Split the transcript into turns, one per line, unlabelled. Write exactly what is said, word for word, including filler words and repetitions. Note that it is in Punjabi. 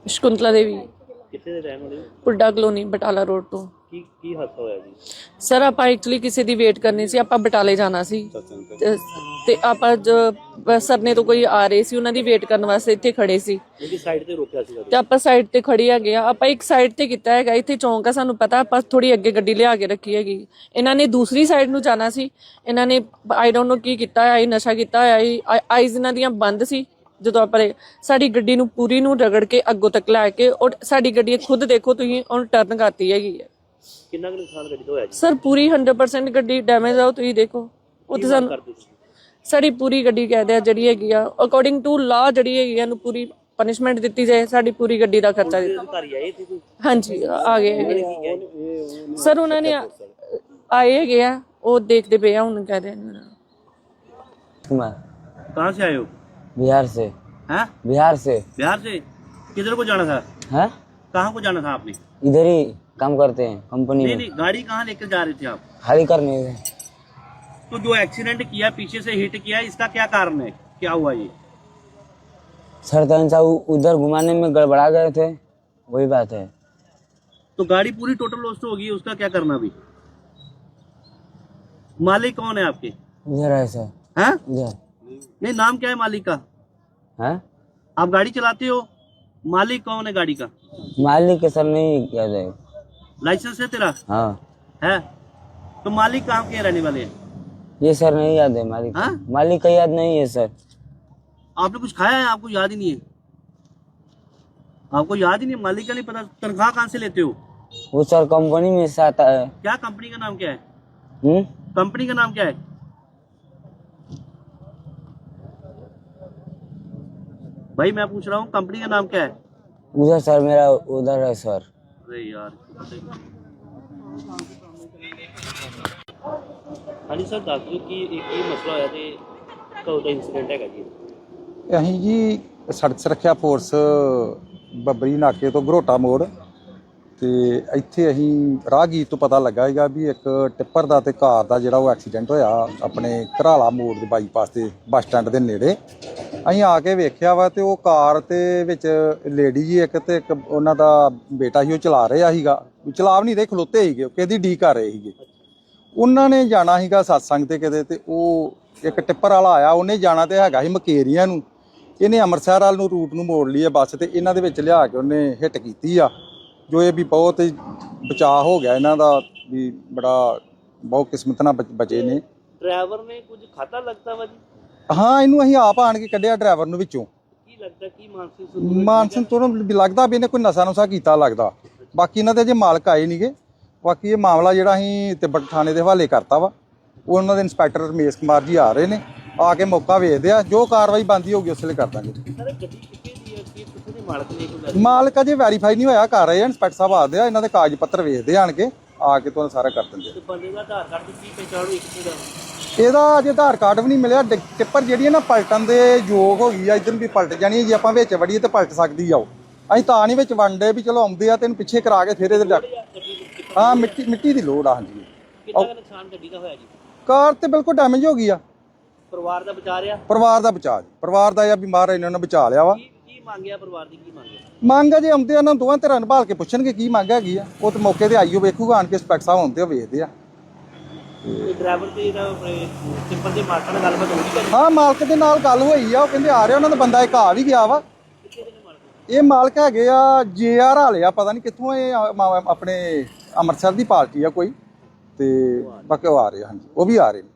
ਸ਼ਕੁੰਤਲਾ ਦੇਵੀ।
ਕਿੱਥੇ ਦੇ ਰਹਿਣ ਵਾਲੇ?
ਪੁੱਡਾ ਕਲੋਨੀ ਬਟਾਲਾ ਰੋਡ ਤੋਂ।
ਕੀ ਕੀ ਹਾਦਸਾ ਹੋਇਆ ਜੀ?
ਸਰ ਆਪਾਂ ਐਕਚੁਅਲੀ ਕਿਸੇ ਦੀ ਵੇਟ ਕਰਨੀ ਸੀ, ਆਪਾਂ ਬਟਾਲੇ ਜਾਣਾ ਸੀ ਤੇ- ਤੇ ਆਪਾਂ ਜ- ਸਰਨੇ ਤੋਂ ਕੋਈ ਆ ਰਹੇ ਸੀ, ਉਹਨਾਂ ਦੀ ਵੇਟ ਕਰਨ ਵਾਸਤੇ ਇੱਥੇ ਖੜੇ ਸੀ
ਇਹਦੀ ਸਾਈਡ ਤੇ ਰੋਕਿਆ ਸੀ
ਤੇ ਆਪਾਂ ਸਾਈਡ ਤੇ ਖੜੀ ਹੈਗੇ ਆ। ਆਪਾਂ ਇੱਕ ਸਾਈਡ ਤੇ ਕੀਤਾ ਹੈਗਾ, ਇੱਥੇ ਚੌਂਕ ਆ ਸਾਨੂੰ ਪਤਾ, ਆਪਾਂ ਥੋੜੀ ਅੱਗੇ ਗੱਡੀ ਲਿਆ ਕੇ ਰੱਖੀ ਹੈਗੀ। ਇਹਨਾਂ ਨੇ ਦੂਸਰੀ ਸਾਈਡ ਨੂੰ ਜਾਣਾ ਸੀ, ਇਹਨਾਂ ਨੇ ਆਈ ਡੋਂਟ ਨੋ ਕੀ ਕੀਤਾ ਹੈ, ਨਸ਼ਾ ਕੀਤਾ ਹੋਇਆ, ਆਈਜ਼ ਇਹਨਾਂ ਦੀਆਂ ਬੰਦ ਸੀ। ਜਦੋਂ ਆਪਾਂ ਸਾਡੀ ਗੱਡੀ ਨੂੰ ਪੂਰੀ ਨੂੰ ਰਗੜ ਕੇ ਅੱਗੋਂ ਤੱਕ ਲੈ ਕੇ, ਔਰ ਸਾਡੀ ਗੱਡੀ ਖੁਦ ਦੇਖੋ ਤੁਸੀਂ ਉਹਨੂੰ ਟਰਨ ਕਰਤੀ ਹੈਗੀ ਹੈ।
ਕਿੰਨਾ ਕੁ ਨੁਕਸਾਨ ਗੱਡੀ ਦਾ ਹੋਇਆ ਜੀ?
ਸਰ ਪੂਰੀ ਹੰਡਰਡ ਪਰਸੈਂਟ ਗੱਡੀ ਡੈਮੇਜ ਆ, ਤੁਸੀਂ ਦੇਖੋ ਉੱਥੇ ਸਾਨੂੰ ਸਾਡੀ ਪੂਰੀ ਗੱਡੀ ਕਹਿ ਦਿਆ ਜਿਹੜੀ ਹੈਗੀ ਆ ਅਕੋਰਡਿੰਗ ਟੂ ਲਾ ਜਿਹੜੀ ਹੈਗੀ ਇਹਨੂੰ ਪੂਰੀ ਪਨਿਸ਼ਮੈਂਟ ਦਿੱਤੀ ਜਾਏ, ਸਾਡੀ ਪੂਰੀ ਗੱਡੀ ਦਾ ਖਰਚਾ ਦਿੱਤਾ। ਹਾਂਜੀ ਆ ਗਏ ਹੈਗੇ ਸਰ, ਉਹਨਾਂ ਨੇ ਆਏ ਹੈਗੇ ਆ, ਉਹ ਦੇਖਦੇ ਪਏ ਆ ਹੁਣ ਕਹਿ ਰਹੇ ਨੇ।
कहाँ से आए हो?
बिहार से।
हैं?
बिहार से।
बिहार से किधर को जाना था?
हैं?
कहाँ को जाना था आपने?
इधर ही काम करते हैं कंपनी
नहीं
में।
नहीं, गाड़ी कहाँ लेकर जा रहे थे आप?
खाली करने से।
तो जो एक्सीडेंट किया, पीछे से हिट किया, इसका क्या कारण है? क्या हुआ ये?
सर तनसा उधर घुमाने में गड़बड़ा गए थे, वही बात है।
तो गाड़ी पूरी टोटल लॉस हो गई, उसका क्या करना अभी? मालिक कौन है आपके?
उधर है सर।
हैं?
उधर।
नहीं, नाम क्या है मालिक का?
हैं?
आप गाड़ी चलाते हो, मालिक कौन है गाड़ी का?
मालिक के सर नहीं याद है।
लाइसेंस है तेरा?
हाँ।
है? तो मालिक कहाँ के रहने वाले हैं?
ये सर नहीं याद है मालिक।
हाँ?
मालिक का याद नहीं है सर।
आपने कुछ खाया है, आपको याद ही नहीं है? आपको याद ही नहीं, मालिक का नहीं पता? तनख्वाह कहाँ से लेते हो?
वो सर कंपनी में साथ है।
क्या कंपनी का नाम क्या है?
हम्म?
कंपनी का नाम क्या है? भाई मैं पूछ रहा हूँ, कंपनी का नाम क्या है?
उधर सर मेरा उधर है सर।
अरे यार। हाँ जी सर, दस दो कि एक ही मसला होया ते कदों दा इंसीडेंट हैगा जी?
ਅਸੀਂ ਜੀ ਸੜਕ ਸੁਰੱਖਿਆ ਫੋਰਸ ਬੱਬਰੀ ਨਾਕੇ ਤੋਂ ਘਰੋਟਾ ਮੋੜ ਤੇ ਇੱਥੇ ਅਸੀਂ ਰਾਹਗੀਰ ਤੋਂ ਪਤਾ ਲੱਗਾ ਹੈਗਾ ਵੀ ਇੱਕ ਟਿੱਪਰ ਦਾ ਤੇ ਕਾਰ ਦਾ ਜਿਹੜਾ ਉਹ ਐਕਸੀਡੈਂਟ ਹੋਇਆ ਆਪਣੇ ਘਰਾਲਾ ਮੋੜ ਦੇ ਬਾਈਪਾਸ ਤੇ ਬੱਸ ਸਟੈਂਡ ਦੇ ਨੇੜੇ। ਅਸੀਂ ਆ ਕੇ ਵੇਖਿਆ ਵਾ ਤੇ ਉਹ ਕਾਰ ਤੇ ਵਿੱਚ ਲੇਡੀ ਜੀ ਇੱਕ ਤੇ ਇੱਕ ਉਹਨਾਂ ਦਾ ਬੇਟਾ ਸੀ, ਉਹ ਚਲਾ ਰਿਹਾ ਸੀਗਾ, ਚਲਾ ਵੀ ਨਹੀਂ ਰਹੇ, ਖਲੋਤੇ ਸੀਗੇ, ਕਿਹਦੀ ਡੀ ਕਰ ਰਹੇ ਸੀਗੇ। ਉਹਨਾਂ ਨੇ ਜਾਣਾ ਸੀਗਾ ਸਤਸੰਗ ਤੇ ਕਿਤੇ, ਤੇ ਉਹ ਇੱਕ ਟਿੱਪਰ ਵਾਲਾ ਆਇਆ, ਉਹਨੇ ਜਾਣਾ ਤੇ ਹੈਗਾ ਸੀ ਮਕੇਰੀਆਂ ਨੂੰ, ਇਹਨੇ ਅੰਮ੍ਰਿਤਸਰ ਵੱਲ ਨੂੰ ਰੂਟ ਨੂੰ ਮੋੜ ਲਈ ਹੈ ਬੱਸ, ਤੇ ਇਹਨਾਂ ਦੇ ਵਿੱਚ ਲਿਆ ਕੇ ਉਹਨੇ ਹਿੱਟ ਕੀਤੀ ਆ, ਜੋ ਇਹ ਵੀ ਬਹੁਤ ਬਚਾਅ ਹੋ ਗਿਆ ਇਹਨਾਂ ਦਾ, ਵੀ ਬੜਾ ਬਹੁਤ ਕਿਸਮਤ ਨਾਲ ਬਚੇ ਨੇ।
ਡਰਾਈਵਰ ਨੇ ਕੁਝ ਖਾਤਾ ਲੱਗਦਾ ਵਾ ਜੀ?
ਹਾਂ, ਇਹਨੂੰ ਅਸੀਂ ਆਪ ਆਣ ਕੇ ਕੱਢਿਆ ਡਰਾਈਵਰ ਨੂੰ ਵਿੱਚੋਂ।
ਕੀ ਲੱਗਦਾ, ਕੀ ਮਾਨਸਿਕ
ਮਾਨਸਨ ਤੋਂ ਲੱਗਦਾ ਵੀ ਇਹਨੇ ਕੋਈ ਨਸ਼ਾ ਨੁਸ਼ਾ ਕੀਤਾ ਲੱਗਦਾ। ਬਾਕੀ ਇਹਨਾਂ ਦੇ ਅਜੇ ਮਾਲਕ ਆਏ ਨਹੀਂਗੇ। ਬਾਕੀ ਇਹ ਮਾਮਲਾ ਜਿਹੜਾ ਅਸੀਂ ਤਿੱਬਤ ਥਾਣੇ ਦੇ ਹਵਾਲੇ ਕਰਤਾ ਵਾ, ਉਹ ਉਹਨਾਂ ਦੇ ਇੰਸਪੈਕਟਰ ਰਮੇਸ਼ ਕੁਮਾਰ ਜੀ ਆ ਰਹੇ ਨੇ, ਆ ਕੇ ਮੌਕਾ ਵੇਖਦੇ ਆ, ਜੋ ਕਾਰਵਾਈ ਬਣਦੀ ਹੋਊਗੀ ਉਸ ਵੇਲੇ ਕਰ ਦਾਂਗੇ। ਮਾਲਕ ਅਜੇ ਵੈਰੀਫਾਈ ਨਹੀਂ ਹੋਇਆ, ਕਰ ਰਹੇ ਆ, ਇੰਸਪੈਕਟਰ ਸਾਹਿਬ ਆਦੇ ਆ, ਇਹਨਾਂ ਦੇ ਕਾਗਜ਼ ਪੱਤਰ ਵੇਖਦੇ ਆਣ ਕੇ, ਆ ਕੇ ਤੁਹਾਨੂੰ ਸਾਰਾ ਕਰ ਦਿੰਦੇ ਆ।
ਬੰਦੇ ਦਾ ਆਧਾਰ ਕਾਰਡ ਦੀ ਕੀ ਪਹਿਚਾਣ ਹੋਈ ਕਿਸੇ ਦਾ?
ਇਹਦਾ ਅਜੇ ਆਧਾਰ ਕਾਰਡ ਵੀ ਨਹੀਂ ਮਿਲਿਆ। ਟਿੱਪਰ ਜਿਹੜੀ ਹੈ ਨਾ ਪਲਟਣ ਦੇ ਯੋਗ ਹੋ ਗਈ ਆ, ਇੱਧਰ ਵੀ ਪਲਟ ਜਾਣੀ ਹੈ, ਜੇ ਆਪਾਂ ਵਿੱਚ ਵੜੀਏ ਤੇ ਪਲਟ ਸਕਦੀ ਆ। ਉਹ ਅਸੀਂ ਤਾਂ ਨਹੀਂ ਵਿੱਚ ਵੰਡੇ ਵੀ ਚਲੋ ਆਉਂਦੇ ਆ ਤੈਨੂੰ ਪਿੱਛੇ ਕਰਾ ਕੇ ਫਿਰ ਇਹਦੇ ਜਾ। ਹਾਂ, ਮਿੱਟੀ ਮਿੱਟੀ ਦੀ ਲੋੜ ਆ। ਹਾਂਜੀ।
ਕਿੰਨਾ ਕੁ ਨੁਕਸਾਨ ਗੱਡੀ ਦਾ ਹੋਇਆ ਜੀ?
ਕਾਰ ਤੇ ਬਿਲਕੁਲ ਡੈਮੇਜ ਹੋ ਗਈ ਆ।
ਪਰਿਵਾਰ ਦਾ ਬਚਾ ਰਿਹਾ?
ਪਰਿਵਾਰ ਦਾ ਬਚਾ ਜੀ, ਪਰਿਵਾਰ ਦਾ ਜਾਂ ਬਿਮਾਰ ਇਹਨਾਂ ਨੇ ਬਚਾ ਲਿਆ ਵਾ।
ਕੀ ਮੰਗਿਆ ਪਰਿਵਾਰ ਦੀ, ਕੀ ਮੰਗਿਆ?
ਮੰਗ ਆ ਜੇ ਆਉਂਦੇ ਆ, ਉਹਨਾਂ ਦੋਵਾਂ ਧਿਰਾਂ ਨੂੰ ਭਾਲ ਕੇ ਪੁੱਛਣਗੇ ਕੀ ਮੰਗ ਹੈਗੀ ਆ, ਉਹ ਤੇ ਮੌਕੇ ਤੇ ਆਈਓ ਵੇਖੂਗਾ ਆਣ ਕੇ, ਇੰਸਪੈਕਟਰ ਸਾਹਿਬ ਆਉਂਦੇ ਆ ਵੇਖਦੇ ਆ।
ਡਰਾਈਵਰ ਤੇ ਟਿੱਪਰ ਦੇ ਮਾਲਕ ਨਾਲ ਗੱਲਬਾਤ ਹੋਈ?
ਹਾਂ, ਮਾਲਕ ਦੇ ਨਾਲ ਗੱਲ ਹੋਈ ਆ, ਉਹ ਕਹਿੰਦੇ ਆ ਰਿਹਾ, ਉਹਨਾਂ ਦਾ ਬੰਦਾ ਇੱਕ ਆ ਵੀ ਗਿਆ ਵਾ। ਇਹ ਮਾਲਕ ਹੈਗੇ ਆ ਜੇ ਆਰ ਵਾਲੇ ਆ, ਪਤਾ ਨਹੀਂ ਕਿੱਥੋਂ, ਇਹ ਆਪਣੇ ਅੰਮ੍ਰਿਤਸਰ ਦੀ ਪਾਰਟੀ ਆ ਕੋਈ, ਤੇ ਬਾਕੀ ਉਹ ਆ ਰਹੇ। ਹਾਂਜੀ, ਉਹ ਵੀ ਆ ਰਹੇ ਨੇ।